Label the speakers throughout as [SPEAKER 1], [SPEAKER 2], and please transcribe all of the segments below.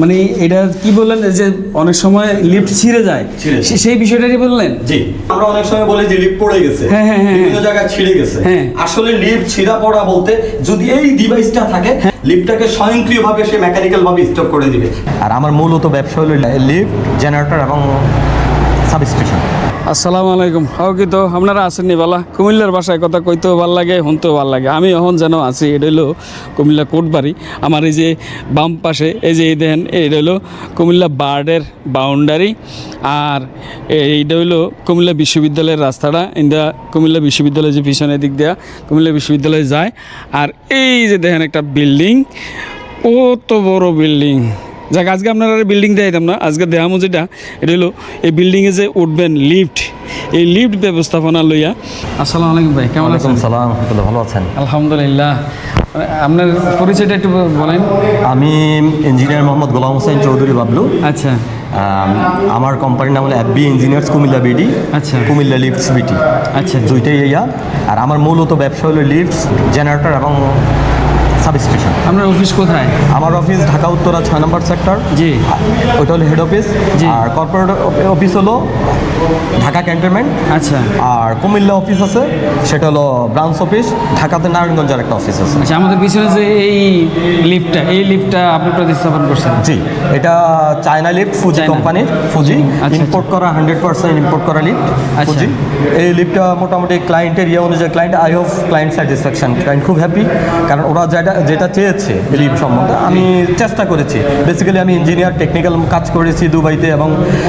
[SPEAKER 1] মানে এটা কি বললেন যে অনেক সময় লিফট ছিঁড়ে যায়, সেই বিষয়টাই বললেন?
[SPEAKER 2] জি, আমরা অনেক সময় বলি যে লিফট পড়ে গেছে, বিভিন্ন জায়গায় ছিঁড়ে গেছে। আসলে লিফট ছিঁড়া পড়া বলতে যদি এই ডিভাইসটা থাকে, লিফটটাকে স্বয়ংক্রিয়ভাবে সে মেকানিক্যাল ভাবে স্টপ করে দিবে। আর আমার মূলত ব্যবসা হলো লিফট, জেনারেটর এবং সাবস্টেশন।
[SPEAKER 1] আসসালামু আলাইকুম। কি তো আপনারা আসেননি বালা? কুমিল্লার ভাষায় কথা কইতেও ভাল লাগে, শুনতেও ভাল লাগে। আমি এখন যেন আছি, এটা হলো কুমিল্লা কোটবাড়ি। আমার এই যে বাম পাশে এই যে দেখেন, এটা হলো কুমিল্লা বার্ডের বাউন্ডারি, আর এইটা হলো কুমিল্লা বিশ্ববিদ্যালয়ের রাস্তাটা। এটা কুমিল্লা বিশ্ববিদ্যালয় যে পিছনের দিক দেওয়া কুমিল্লা বিশ্ববিদ্যালয়ে যায়। আর এই যে দেখেন একটা বিল্ডিং, কত বড় বিল্ডিং। যাক, আজকে আপনারা বিল্ডিং দেখাইতাম না, আজকে দেখামো যেটা, এটা হলো এই বিল্ডিংয়ে যে উঠবেন লিফট, এই লিফট ব্যবস্থাপনা লইয়া। আসসালামু আলাইকুম ভাই, কেমন আছেন?
[SPEAKER 2] সালাম, ভালো আছেন?
[SPEAKER 1] আলহামদুলিল্লাহ। আপনার পরিচয়টা একটু বলেন।
[SPEAKER 2] আমি ইঞ্জিনিয়ার মোহাম্মদ গোলাম হোসেন চৌধুরী বাবলু।
[SPEAKER 1] আচ্ছা।
[SPEAKER 2] আমার কোম্পানির নাম হলো FB ইঞ্জিনিয়ার্স কুমিল্লা বিডি।
[SPEAKER 1] আচ্ছা।
[SPEAKER 2] কুমিল্লা লিফটস বিটি।
[SPEAKER 1] আচ্ছা,
[SPEAKER 2] দুইটাই ইয়া। আর আমার মূলত ব্যবসা হলো লিফটস, জেনারেটর এবং সাবস্টেশন।
[SPEAKER 1] আপনার অফিস কোথায়?
[SPEAKER 2] আমার office Dhaka Uttara 6 number sector.
[SPEAKER 1] জি।
[SPEAKER 2] ওইটা হলো হেড অফিস। আর কর্পোরেট অফিস হলো ঢাকা ক্যান্টনমেন্ট।
[SPEAKER 1] আচ্ছা।
[SPEAKER 2] আর কুমিল্লা অফিস আছে, সেটা হলো ব্রাঞ্চ অফিস। ঢাকাতে নারায়ণগঞ্জের একটা অফিস আছে।
[SPEAKER 1] আচ্ছা, আমাদের পিছনে যে এই লিফটটা আপনি প্রতিস্থাপন করছেন?
[SPEAKER 2] জি, এটা চায়না লিফট, ফুজি কোম্পানির। ফুজি ইম্পোর্ট করা, 100% ইম্পোর্ট করা লিফট ফুজি। এই লিফটটা মোটামুটি ক্লায়েন্টের অনুযায়ী client, I hope client satisfaction, client খুব হ্যাপি। কারণ ওরা যেটা চেয়েছে লিফট সম্বন্ধে আমি চেষ্টা করেছি। বেসিক্যালি আমি ইঞ্জিনিয়ার, টেকনিক্যাল কাজ করেছি দুবাইতে, এবং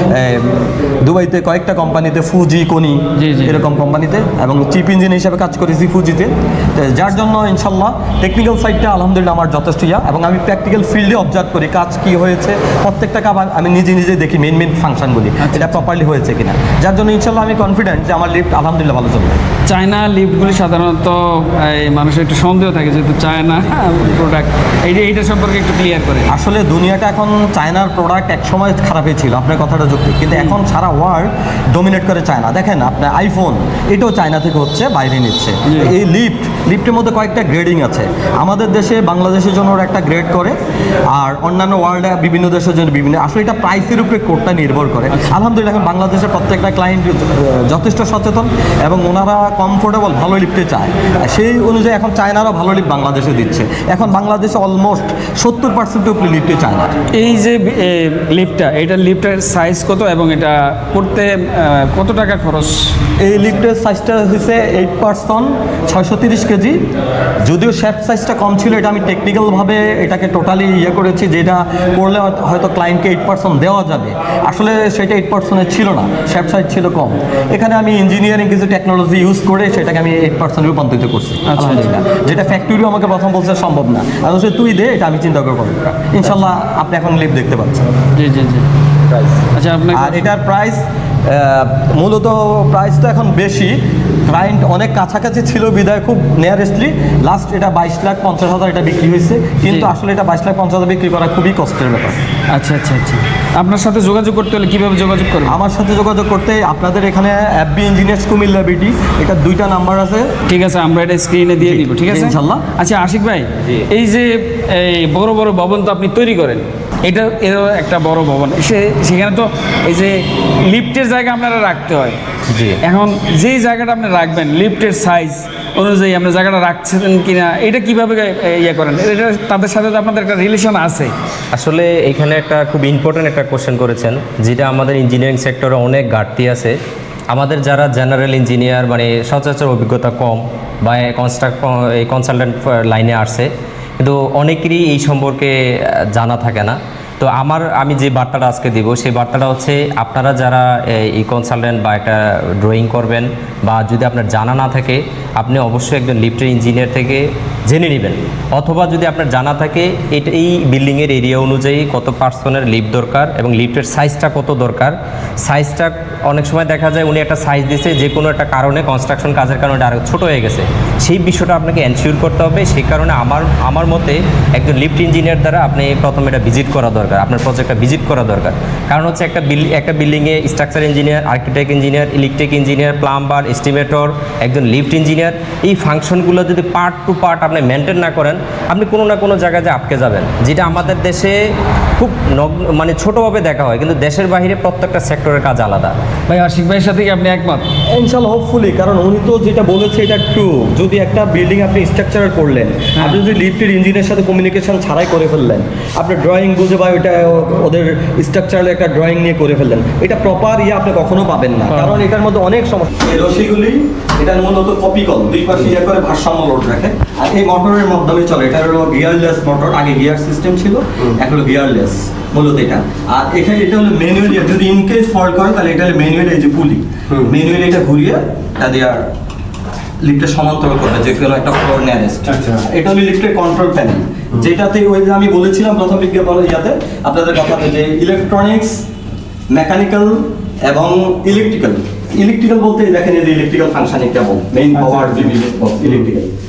[SPEAKER 2] দুবাইতে কয়েকটা কোম্পানিতে, ফুজি, কোনি এরকম কোম্পানিতে, এবং চিফ ইঞ্জিনিয়ার হিসেবে কাজ করেছি ফুজিতে। যার জন্য ইনশাল্লাহ টেকনিক্যাল সাইডটা আলহামদুলিল্লাহ আমার যথেষ্ট এবং আমি প্র্যাকটিক্যাল ফিল্ডে অবজার্ভ করি কাজ কি হয়েছে, প্রত্যেকটা কাজ আমি নিজে দেখি, মেন ফাংশনগুলি এটা প্রপারলি হয়েছে কিনা। যার জন্য ইনশাল্লাহ আমি কনফিডেন্ট যে আমার লিফট আলহামদুলিল্লাহ ভালো চলবে।
[SPEAKER 1] চায়না লিফটগুলি সাধারণত মানুষের একটু সন্দেহ থাকে, যেহেতু চায়না প্রোডাক্ট, এইটা সম্পর্কে একটু ক্লিয়ার করে।
[SPEAKER 2] আসলে দুনিয়াটা এখন চায়নার প্রোডাক্ট একসময় খারাপই ছিল, আপনার কথাটা যুক্তি, কিন্তু এখন সারা ওয়ার্ল্ড ডোমিনেট করে চায়না। দেখেন আপনার আইফোন, এটাও চায়না থেকে হচ্ছে, বাইরে নিচ্ছে। এই লিফটের মধ্যে কয়েকটা গ্রেডিং আছে। আমাদের দেশে, বাংলাদেশের জন্য ওরা একটা গ্রেড করে, আর অন্যান্য ওয়ার্ল্ডে বিভিন্ন দেশের জন্য বিভিন্ন। আসলে এটা প্রাইসের উপরে কোডটা নির্ভর করে। আলহামদুলিল্লাহ এখন বাংলাদেশের প্রত্যেকটা ক্লায়েন্ট যথেষ্ট সচেতন, এবং ওনারা কমফোর্টেবল ভালো লিফটে চায়। সেই অনুযায়ী এখন চায়নারা ভালো লিফট বাংলাদেশে দিচ্ছে। এখন বাংলাদেশে অলমোস্ট 70% উপরে লিফটে চায়না।
[SPEAKER 1] এই যে লিফটটা, এটা লিফটের সাইজ কত, এবং এটা করতে কত টাকা খরচ?
[SPEAKER 2] এই লিফটের সাইজটা হচ্ছে 8 পার্সন, 630 কেজি। যদিও শেপ সাইজটা কম ছিল, এটা আমি টেকনিক্যালভাবে এটাকে টোটালি করেছি, যেটা করলে হয়তো ক্লায়েন্টকে 8% দেওয়া যাবে। আসলে সেটা 8% ছিল না, শেপ সাইজ ছিল কম। এখানে আমি ইঞ্জিনিয়ারিং কিছু টেকনোলজি ইউজ করে সেটাকে আমি 8% রূপান্তরিত করছি আলহামদুলিল্লাহ। যেটা ফ্যাক্টরিও আমাকে প্রথম বলছে সম্ভব না, আমি বলছি তুই দে, এটা আমি চিন্তা করবো। ইনশাল্লাহ আপনি এখন লিফট দেখতে পাচ্ছেন।
[SPEAKER 1] জি। আচ্ছা, আপনার
[SPEAKER 2] আর এটার প্রাইস মূলত প্রাইসটা এখন বেশি, ক্লায়েন্ট অনেক কাছাকাছি ছিল বিদায় খুব নিয়ারেস্টলি লাস্ট এটা 22,50,000 এটা বিক্রি হয়েছে, কিন্তু আসলে এটা 22,50,000 বিক্রি করা খুবই কষ্টের ব্যাপার।
[SPEAKER 1] আচ্ছা। আপনার সাথে যোগাযোগ করতে হলে কীভাবে যোগাযোগ করবেন?
[SPEAKER 2] আমার সাথে যোগাযোগ করতে আপনাদের এখানে FB ইঞ্জিনিয়ার্স কুমিল্লা বিডি, এটা 2টা নাম্বার আছে।
[SPEAKER 1] ঠিক আছে, আমরা এটা স্ক্রিনে দিয়ে দিব। ঠিক আছে
[SPEAKER 2] ইনশাল্লাহ।
[SPEAKER 1] আচ্ছা আশিক ভাই, এই যে এই বড় ভবন তো আপনি তৈরি করেন, এরও একটা বড় ভবন, সেখানে তো এই যে লিফটের জায়গা আপনারা রাখতে হয়।
[SPEAKER 3] জি।
[SPEAKER 1] এখন যেই জায়গাটা আপনি রাখবেন, লিফটের সাইজ অনুযায়ী আপনি জায়গাটা রাখছেন কিনা, এটা কিভাবে করেন? এটা তাদের সাথে তো আপনাদের একটা রিলেশন আছে।
[SPEAKER 3] আসলে এখানে একটা খুব ইম্পর্ট্যান্ট একটা কোশ্চেন করেছেন, যেটা আমাদের ইঞ্জিনিয়ারিং সেক্টরে অনেক ঘাটতি আছে। আমাদের যারা জেনারেল ইঞ্জিনিয়ার, মানে সচরাচর অভিজ্ঞতা কম, বা এই কনসালটেন্ট লাইনে আসছে, কিন্তু অনেকেরই এই সম্পর্কে জানা থাকে না। তো আমি যে বার্তাটা আজকে দিব, সেই বার্তাটা হচ্ছে আপনারা যারা এই কনসালটেন্ট বা একটা ড্রয়িং করবেন, বা যদি আপনার জানা না থাকে, আপনি অবশ্যই একজন লিফটের ইঞ্জিনিয়ার থেকে জেনে নেবেন। অথবা যদি আপনার জানা থাকে, এই বিল্ডিংয়ের এরিয়া অনুযায়ী কত পার্সনের লিফট দরকার, এবং লিফটের সাইজটা কত দরকার। সাইজটা অনেক সময় দেখা যায় উনি একটা সাইজ দিচ্ছে, যে কোনো একটা কারণে, কনস্ট্রাকশন কাজের কারণে আরও ছোটো হয়ে গেছে, সেই বিষয়টা আপনাকে এনশিওর করতে হবে। সেই কারণে আমার মতে একজন লিফট ইঞ্জিনিয়ার দ্বারা আপনি প্রথমে এটা ভিজিট করা দরকার, আপনার প্রজেক্টটা ভিজিট করা দরকার। কারণ হচ্ছে একটা বিল্ডিংয়ে structure engineer, architect engineer, electric engineer, plumber, estimator, একজন লিফট ইঞ্জিনিয়ার, এই ফাংশনগুলো যদি পার্ট টু পার্ট আপনি মেনটেন না করেন, আপনি কোনো না কোনো জায়গায় যে আটকে যাবেন, যেটা আমাদের দেশে খুব মানে ছোটোভাবে দেখা হয়, কিন্তু দেশের বাইরে প্রত্যেকটা সেক্টরের কাজ আলাদা।
[SPEAKER 1] ভাই আশিক ভাইয়ের সাথে কি আপনি একমত?
[SPEAKER 2] ইনশাল্লাহ, হোপফুলি, কারণ উনি তো যেটা বলেছে এটা ট্রু। যদি একটা বিল্ডিং আপনি স্ট্রাকচার করলেন, আপনি যদি লিফটের ইঞ্জিনের সাথে কমিউনিকেশন ছাড়াই করে ফেললেন, আপনি ড্রয়িং বুঝে বা ওইটা ওদের স্ট্রাকচারাল একটা ড্রয়িং নিয়ে করে ফেললেন, এটা প্রপার আপনি কখনো পাবেন না, কারণ এটার মধ্যে অনেক সমস্যা। এই রশিগুলি এটা মূলত কপিকল, দুই পাশে করে ভারসাম্য লোড রাখে, আর এই মোটরের মাধ্যমে চলে। এটা হলো গিয়ারলেস মোটর, আগে গিয়ার সিস্টেম ছিল, এখন হলো গিয়ারলেস মূলত এটা। আর এখানে এটা হলো ম্যানুয়ালি, যদি ইনকেস ফল্ট করে তাহলে এটা হলো ম্যানুয়ালি, এই যে পুলি ম্যানুয়ালি এটা ঘুরিয়ে এটা দিয়ে লিফটের সমান্তরাল করবে যে কোনো একটা ফ্লোর নিয়ারেস্ট। এটা হলো লিফটের কন্ট্রোল প্যানেল, যেটাতে ওই যে আমি বলেছিলাম প্রথম বিজ্ঞাপন ইয়াতে আপনাদের কথাতে, যে ইলেকট্রনিক্স, মেকানিক্যাল এবং ইলেকট্রিক্যাল বলতে দেখেন এই যে electrical functioning cable, main power electrical.